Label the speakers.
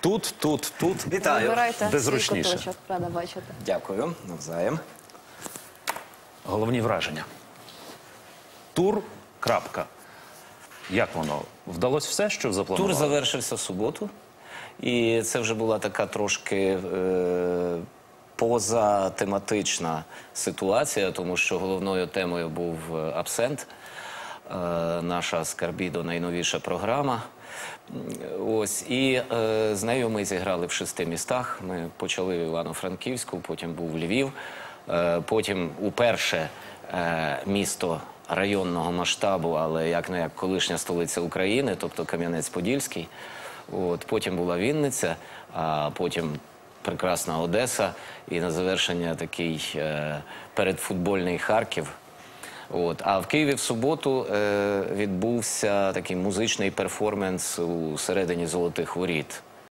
Speaker 1: тут. Вітаю.
Speaker 2: Вибирайте
Speaker 1: Де
Speaker 2: свій
Speaker 1: зручніше.
Speaker 2: куточок, рада бачити.
Speaker 3: Дякую, навзаєм.
Speaker 1: Головні враження. Тур, крапка. Як воно? Вдалося все, що запланували?
Speaker 3: Тур завершився в суботу. І це вже була така трошки позатематична ситуація, тому що головною темою був абсент. Наша «Скарбідо» найновіша програма. Ось, і з нею ми зіграли в 6 містах. Ми почали в Івано-Франківську, потім був Львів, потім уперше місто районного масштабу, але як колишня столиця України, тобто Кам'янець-Подільський. Потім була Вінниця, а потім прекрасна Одеса і на завершення такий передфутбольний Харків. А в Києві в суботу відбувся такий музичний перформанс у середині Золотих Воріт.